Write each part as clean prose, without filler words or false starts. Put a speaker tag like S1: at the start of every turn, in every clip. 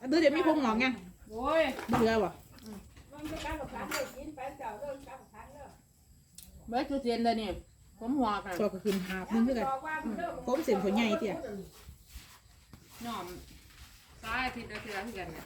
S1: ดูเดี๋ยวมีพงหงอกยัง
S2: โอ้ย
S1: เบื่อบ่
S3: มันไม่กล้ากับพันเลยกินไปเจ้าเริ่มกล้ากับพันเลย
S2: เบิดคือเซียนเด้อนี่ผมหัวกัน
S1: ตัวก็ขึ้นหาบนึงคือกันผมเส้นขนใหญ่เตี้ย
S2: หน่อมซ้ายทิศละคือกันเนี่ย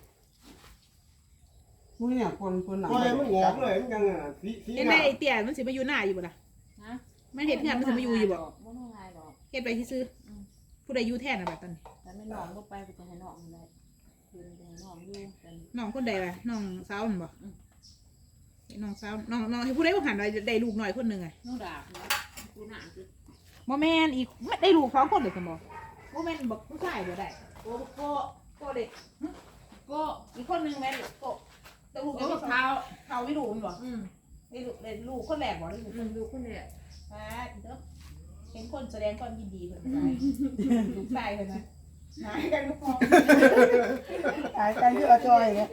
S4: มึงเนี่ยคนหนัง
S5: โอ้ยมันหงอกเลยมันยังสี
S1: เห็นไหมไอ้เตี้ยมันสิมาอยู่หน้าอยู่บ่ล่ะ
S2: นะ
S1: มันเห็นงานมันสิมาอยู่อยู่บ่
S2: บ่ต้องง่ายดอก
S1: เฮ็ดไปซื่อผู้ใดอยู่แทนน่ะบัดตอนนี้
S2: แต่ไม่น้องบ่ไปก็จะให้น้องได้คืนจะให้น้องอยู่กัน
S1: น้องคนใดล่ะน้องสาวนั่นบ่น้องสาวน้องให้ผู้ใดบ่หันได้ลูกน้อยคนนึงอ่ะ
S2: น้องดาบนะกูหนานคือ
S1: บ่แม่นอีกได้ลูก2คนเลยซั่นบ่บ่แม่นบอกผู้ชายบ่ได้โกเด็ก
S2: ก็
S1: อีกคนนึงแม่นโกแต่ลูก
S2: โอ้
S1: จะ
S2: เท้า
S1: เขาไม่รู้มันบ่ได้ลูกคนแรกบ่ได้ลูก
S2: ดูคนเนี่ย
S1: เด้อเห็นคนแสดงความยินดีเพิ่นไปลูกชายเพิ่นนะหายกันลูกพ่อ
S4: หายใจเยอะจอยเนี่ย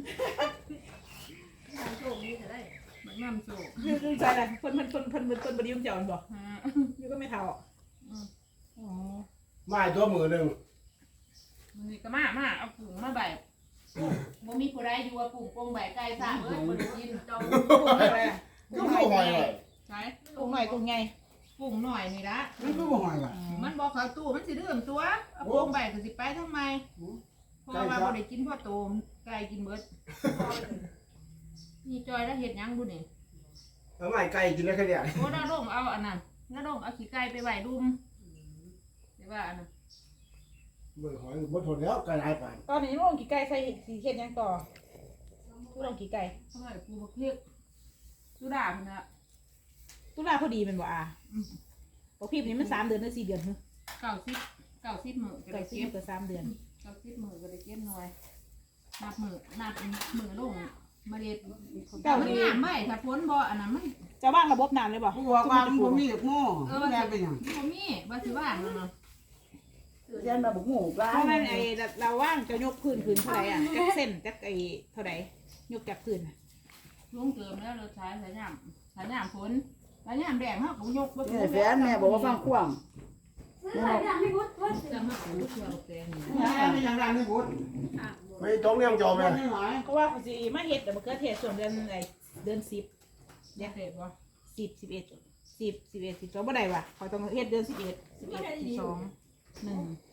S2: โชคดีจะได้มันนำโชค
S1: ลูกชายล่ะเพิ่นบ่ได้ยุ่งเจ้ามันบ่อยู่ก็ไม่เท่าอ๋อ
S5: ไม้ตัวมือหนึ่ง
S2: มันนี่ก็มาเอาผุ่งมาใบบ่มีผู้ใดอยู่ว่าผุ่งกงใบไก่ซ่าเอ้ยบ่ได้กินเจ้า
S1: ลูกอะไรอ่ะ
S5: ก็ไม่หอยเลย
S2: ใช่
S1: ลูกหน่อยกูไง
S2: ผุ่งหน่อยนี่ละ
S4: มันก็บ่หอยว่ะ
S2: มันบอกเขาตู้มันสิเรื่องตัวเอาโปงใบก็สิไปทำไมเพราะว่าบ่ได้กินพ่อโตมไก่กินเบิดนี่จอยแล้วเฮ็ดหยังบุนี่
S5: เอาไม้ไก่กินได้แค่เนี้ย
S2: โอ้ดาดงเอาอันนั้นดาดงเอาขี้ไก่ไปไว้ดุมเดี๋ยวว่าอันนั้น
S5: เบื่อหอยบ่ทนแล้วไก่หลายปาน
S1: ตอนนี้ลูกกี่ไก่ใส่สีเข็ดยังต่อลูกกี่ไก่
S2: ทำไมปูบักเพียกสุดาพุ่นน่ะ
S1: ตุลาพอดีเป็นบ่อ่ะบอกพี่นี่มัน3 เดือนหรือ4 เดือนฮึ
S2: 90มื้อก็
S1: ไก่
S2: ได้
S1: ซื้
S2: เก็บ
S1: อก็3 เดือน
S2: 90มื้อก็ได้เก็บหน่อยนับมื้อลงมาเด็ด
S1: เจ้า
S2: มัน
S1: นี่
S2: งามไว้ถ้าพ้นบ่อันนั้นมัน
S1: จะว่างระบบน้ำเลยบ่
S4: กูบอกว่ามันบ่มีหม้อแม่เป็นหยัง
S2: บ่มีบ่สิว่างแล้วเนาะ
S4: เรียนมาบ่ฮู้ปลา
S1: เพราะมันไอ้เราว่างจะยกพื้นเท่าไหร่อ่ะจักเส้นจักไอ้เท่าไหร่ยกจากพื้น
S2: ลุงเติมแล้วเราใช้สายยามฝนสายยามแดงเฮาก็ยกบ่
S4: เนี่ยแฟนแม่บอกว่าฟังความ
S2: จะมาปูเชื่อบ่แกนี่
S4: แม่เป็นหยังดังนี่บุญ
S5: ไม่ต้องเลี้ยงจอม
S4: แม่
S5: เลย
S4: ไม่หอย
S1: เพราะว่าเขาสิมาเฮ็ดแต่มะเขือเทศส่วนเดือนไอ้เดือน10
S2: อยากเสพบ่
S1: 10 11 10 11 12บ่ได้ว่ะเขาต้องเฮ็ดเดือน11 11 12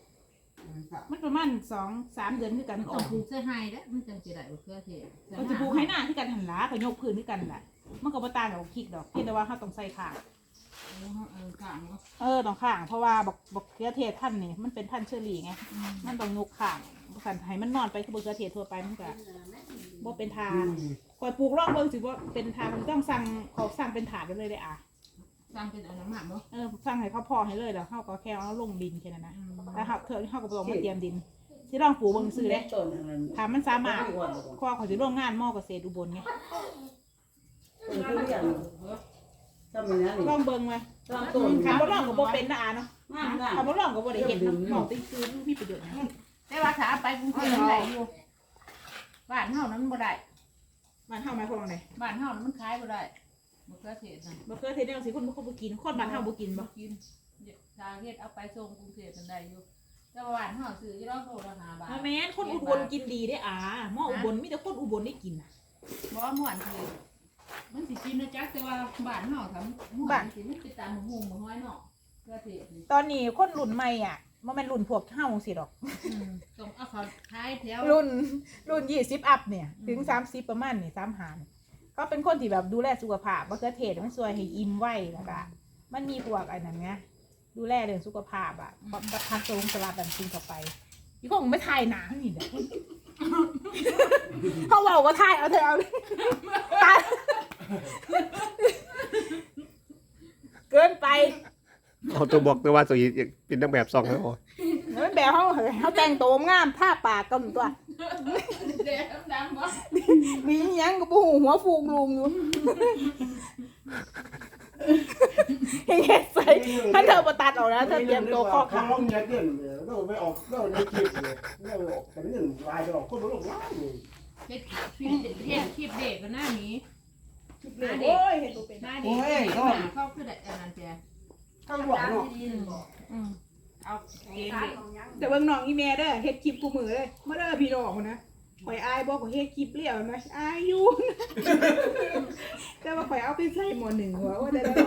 S1: 1มันประมาณ2-3 เดือนคือกันมันอ
S2: ต้อ
S1: อง ก
S2: ปลูกเสื้อไฮเด้อมันจังสิได้บ่เพื่อเทศ
S1: มันจะปลูกให้หน้าคือกันหันหล้าเขายกพื้นคือกันแหละมันก็บ่ต่างกับพริกดอกเพียงแต่ว่าเขาต้องใส่ข่าง
S2: ข้างเนาะ
S1: ต้องข่างเพราะว่าบอกเขือเทศท่านนี่มันเป็นท่านเชอรี่ไงมันต้องยกข่างขันให้มันนอนไปคือเขือเทศทั่วไปมันก็บ่เป็นทางคอยปลูกร่องเบิ่งสิว่าเป็นทางมันต้องสั่งเขาสั่งเป็นถาดไปเลยได้อ่ะ
S2: สร้างเป็นอันนั้นมาบ่
S1: สั่งให้เขาพอให้เลยแล้วเขาก็แค่เอาลงดินแค่นั้นนะแล้วเขาก็ต้องมาเตรียมดินสิลองปลูกเบิ่งซื้อเด้
S4: ต้นนั้น
S1: ถ้ามันสามารถคอเขาสิร่วมงานมอเกษตรอุบลไง
S4: ต้นทุเรียนทำอย่างนั้น
S1: ลองเบิ่งไว้
S4: ต้น
S1: ถามบ่ลองก็บ่เป็นนะอ่ะเนาะ
S4: งาม
S1: ถามบ่ลองก็บ่ได้เห็นเนาะหมองติซื้อมีประโยชน์นะ
S2: แต่ว่าถ้าไปกรุงเทพมันได้อยู่บ้านเฮานั้นบ่ได้
S1: บ้านเฮาหมายความว่าไง
S2: บ้านเฮานั้นมันขายบ่ได้บ่เพื่อเทศนะ
S1: บ่เคยเทศแนวสิคนบ่บ่กินคนบ้านเฮาบ่กินบ่
S2: กินชาเฮ็ดเอาไปส่งกรุงเทพมันได้อยู่แต่ว่าบ้านเฮาซื้ออยู่รอบโลละ5 บาท
S1: แม่นคนอุบลกินดีได้อ่าหม้ออุบลมีแต่คนอุบลได้กินน่ะ
S2: บ่ม่วนคือมันสิกินนะจ๊ะแต่ว่าบ้านเฮาทำม่วนสิมันสิตามหุงบ่ห้อยเนาะเพื่อเทศนี่
S1: ตอนนี้คนรุ่นใหม่อ่ะบ่แม่นรุ่นพวกเฮาสิดอก
S2: ต้องเอาเขาขายแถว
S1: รุ่น20อัพเนี่ยถึง30ประมาณนี่35นี่เขาเป็นคนที่แบบดูแลสุขภาพบ่เขือเทศมันช่วยให้อิ่มไวแล้วก็มันมีพวกอันนั้นไงดูแลเรื่องสุขภาพอ่ะกับผักสลัดสลัดแบบกินเข้าไปอีกคงไม่ทายหนานี่เด้อ เขาบอกว่าทายเอาเถอะเอาตายเกินไป
S6: เขาตัวบอกตัวว่าตัวเป็นนักแบบซองแล้วโอ้ย
S1: มันแบบเขาแต่งตัวงามท่าปากกันตัว
S2: เด็กดำๆบ่
S1: มีหยังกับหูหัวฟูกลุงอยู่เฮ็ดใส่ถ้าเธอมาตัดออกนะเธอเตรียมตัวข้อ
S5: ขา
S1: ขา
S5: ล้มเงี้ยเกินเราไม่ออกเราในคลิปเลยเราออกแต่ไม่หนึ่งลายจะออกคนรู้หรอกว่า
S2: เฮ็ดคลิปเด็กก็หน้านี้
S1: โอ้ยเห็นตัวเป็น
S2: หน้าเด็กเข้าคือได้อันนั้นแจ้
S4: ข้าวหวานเนาะ
S2: เอาเกม
S3: ทาง
S2: เด็ก
S3: ของยัง
S1: แต่เบิ่งน้องอีแม่เด้อเฮ็ดคลิปกูมือเลยมาเด้อพี่น้องนะข่อยอายบ่ข่อยเฮ็ดคลิปเลี้ยวนะอายอยู่ แต่ว่าข่อยเอาไปใส่หม้อหนึ่งหัวว่าได้แล้ว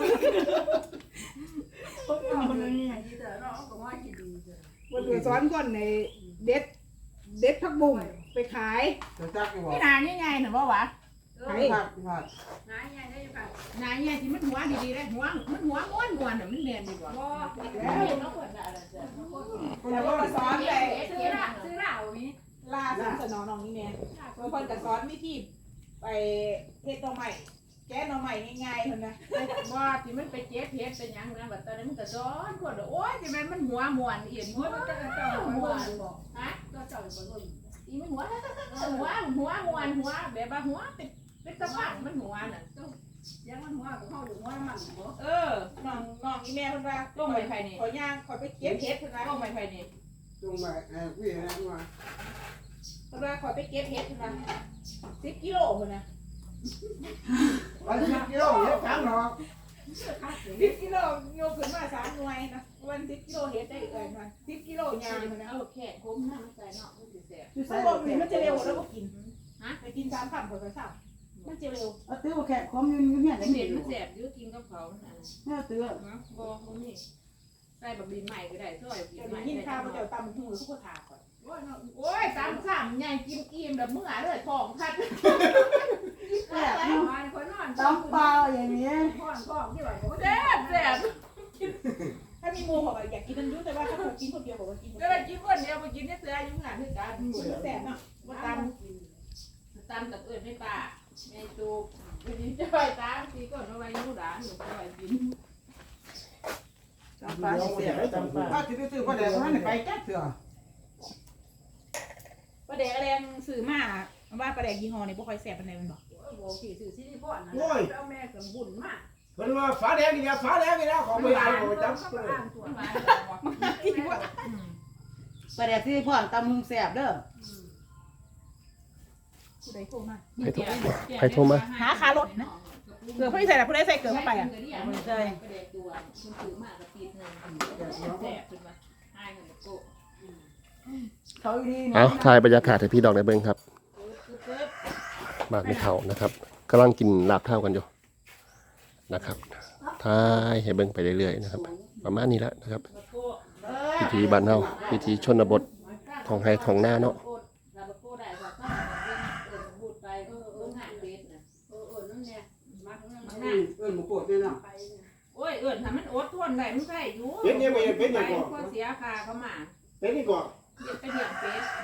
S3: คนนี้อย่างนี้เด้อเนาะก็ว่าสิดีเด้อ
S1: บ่ตัวสอนก่อนในเด็ดผักบุ้งไปขาย
S5: จะจักอยู่บ่
S2: นี่นานี่ไงหนูว่าวะ
S5: ผัด
S3: นายยายได้ค่ะ
S2: นาเนี่ยที่มันหัวดีๆเลยหัวมันหัวม้วนๆน่ะมันเรียนดีกว่า
S3: บ่
S2: แล้วน้องเปิดอะไรเจ้า
S1: แต่ว่าสอนไป
S3: ซื้อเหล้ามี
S1: ล่าสุดสนอน้องอีแม่บางคนก็สอนวิธีไปเฮ็ดหน่อไม้แกะหน่อไม้ง่ายๆเพิ่นนะ
S2: ว่าที่มันไปเจ็บเพชรเป็นยังนะแบบตอนนั้นมันก็ซ้อนคนโอ้ยที่มันหัวม้วนเอียนหัวมันก็เจ้าม้วนบอกฮะ
S3: ก็เจ้าบ่รู้
S2: อีมันหัวม้วนหัวแบบว่าหัวเป็นตะพันมันหัวน่ะ
S3: ยังมันหัวของเฮาอยู่หัวมันบ่
S1: น้องอีแม่เพิ่นว่า
S2: ลงไปภายใน
S1: ขอย่างขอไปเก็บเฮ็ดเพิ่นว่า
S2: ลงไปภายใน
S5: ลงมาพี่นะมา
S1: เพิ่นว่าขอไปเก็บเฮ็ดเพิ่นว่า10กิโลเพิ่นนะ
S5: วันที่กิโลเฮ็ดถามเนาะ
S1: 10กิโลโยกขึ้นมา3หน่วยนะวัน10กิโลเฮ็ดได้เอิ้นว่า10กิโลยางเพิ่นนะ
S2: เอาแค่คุ้มหน้ามันใส่เนาะมันสิแซ่บ
S4: ที่
S1: ถ้า
S4: ใส่
S1: บอกนี่มันจะเร็วแล้วบ่กิน
S2: ฮะ
S1: ไปกิน3คำก็ซ้ำมันจะเร็ว
S4: เอาตื้อแขกคอมอยู่เนี่ย
S2: มั
S4: ได้
S2: น
S4: เห็
S2: เห็
S4: น
S2: น
S4: มั
S2: มัน นแซ่บอยู่กินกับเขานั่นน่ะ
S4: แม่ตื้อ
S2: ฮะบ่บ่มีใส่แบบดินใหม่ก็ได้ซอยดิ
S1: เดี๋ย
S2: น
S1: ว
S2: ใหม่
S1: นี้ยิน
S2: ได้
S1: ข้าว
S2: จั
S1: มัน
S2: ง
S1: จะตำหูทุกคนทาก่อน
S2: โอ้ยตามซ้ำใหญ่กินอิ่มแบบมื้อเลยท้องพัด
S4: แซ่บ
S3: มาคนนอน
S4: ตำเปล่าอย่างนี้
S3: พ่อนพ่อที่ว่าบ่
S2: แซ่บแซ่บ
S1: ถ้ามีหมูบอกว่าอยากกินมันยุ่แต่ว่าถ้าคนกินคนเดียวบอกว่ากิน
S2: ก็เลยกินคนเดียวไปกินเนี่ยเสืออยู่งานคือกัน
S1: แสบเนาะ
S2: ว่าตามกับเอิญไม่ป่าไม่ตูวันนี้จะไปตามทีก่อนเอาไว้ยูด่านหนูไปไว้กิน
S4: ตำปลาเสียตำปลา
S5: ถ้าสิไปซื้อผ้าแดงนั้นไปแก๊สเถอะ
S1: ปลาแดกแรงสื่อมาว่าปลาแดกยี่ห้อนี่บ่ค่อยแสบปานใดมันบอก
S3: บ่สิซื้อซิลิคอนนะแล้วแม่ก็บุญมาก
S5: เพิ่นว่าฝาแดงนี่ฝาแดงนี่แล้วของไม่ได้บ่จับ
S3: เขาก็อ่านตัว
S2: มา
S4: ปลาแดกที่พ่อนตำหุงแซ่บเด้อ
S1: ผู้ใดโทรมา
S6: ใครโทรมา
S1: หาคารถนะเกือบผู้ใดใส่ละผู้ใดใส่เกือบเข้าไปอ่ะ
S2: มันใช่ประเด็นตัวคุณถือมากกระตีนึงแสบขึ้นมาให้เงินโก้
S4: เขาดี
S6: เอาถ่ายบรรยากาศให้พี่ดอกได้เบิ่งครับบ้านไม่เท่านะครับกำลังกินลาบเท่ากันอยู่นะครับถ่ายให้เบิ่งไปเรื่อยๆนะครับ ประมาณนี้แหละนะครับพิธีบ้านเฮาพิธีชนบทของไห้ของหน้าเนาะ
S2: เราโก้ได้ว่าต้องเอิญพูดไปงานเด็ดนะ
S3: นั่นแหละมาทั้งนั้น
S2: นั่น
S5: เอิ้นหมูปวดนี่นะ
S3: ไป
S2: โอ้ยเอิญถ้ามันอดทนได้มันใช่อยู่
S5: เป็นยังไงเป็นยังไง
S2: ก็เสียค่าเขามา
S5: เป็นนี่ก่อน
S2: เด็ดไปเหี่ยงเป็ด